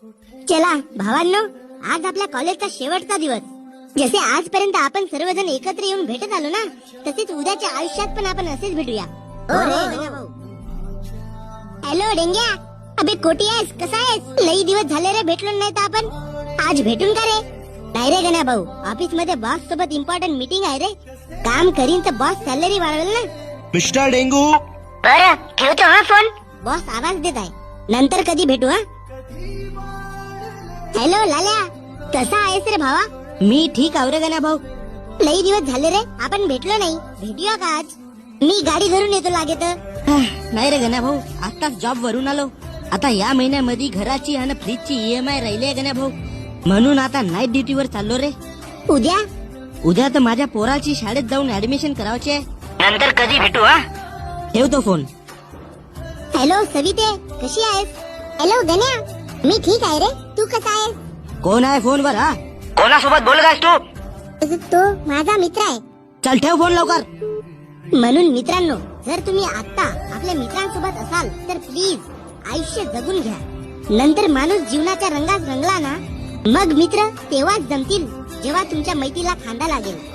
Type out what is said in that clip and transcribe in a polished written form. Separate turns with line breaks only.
चला भावांनो, आज आपल्या कॉलेजचा शेवटचा दिवस. जसे आजपर्यंत आपण सर्वजण एकत्र येऊन भेटत आलो ना, तसेच उद्याच्या आयुष्यात पण आपण असेच भेटूया. हॅलो डेंग्या, अबे कोटी आहेस, कसा आहेस? लई दिवस झाले रे भेटलो नाही तर आपण. आज भेटून का रे? नाही रे गण्या भाऊ, ऑफिस मध्ये बॉस सोबत इम्पॉर्टंट मीटिंग आहे रे. काम करीन तर बॉस सॅलरी वाढवेल ना.
मिस्टर डेंगू,
बरं ठेवतो हा फोन. बॉस आवाज देत आहे, नंतर कधी भेटू हा. हॅलो लाल्या, कसा आहेस रे भावा? मी ठीक आहो रे गण्या भाऊ. लई दिवस झाले रे आपण भेटलो नाही, भेटूया का आज? मी गाडी धरून येतो लागे तर. नाही रे गण्या भाऊ, आताच जॉब वरून आलो. आता या महिन्यामध्ये घराची आणि फ्रीजची EMI राहिली आहे गण्या भाऊ, म्हणून आता नाईट ड्युटीवर चाललो रे. उद्या तर माझ्या पोराची शाळेत जाऊन ऍडमिशन करायची आहे. नंतर कधी भेटू हा. ठेवतो फोन. हॅलो सविते, कशी आहेस? हॅलो गण्या, मी ठीक आहे रे, तू कसा आहेस? कोण आहे फोनवर हा?
कोणासोबत बोलत आहेस तू?
तो माझा मित्र आहे.
चल ठेव फोन लवकर.
म्हणून मित्रांनो, जर तुम्ही आता आपल्या मित्रांसोबत असाल तर प्लीज आयुष्य जगून घ्या. नंतर माणूस जीवनाच्या रंगात रंगला ना, मग मित्र तेव्हाच जमतील जेव्हा तुमच्या मैत्रीला खांदा लागेल.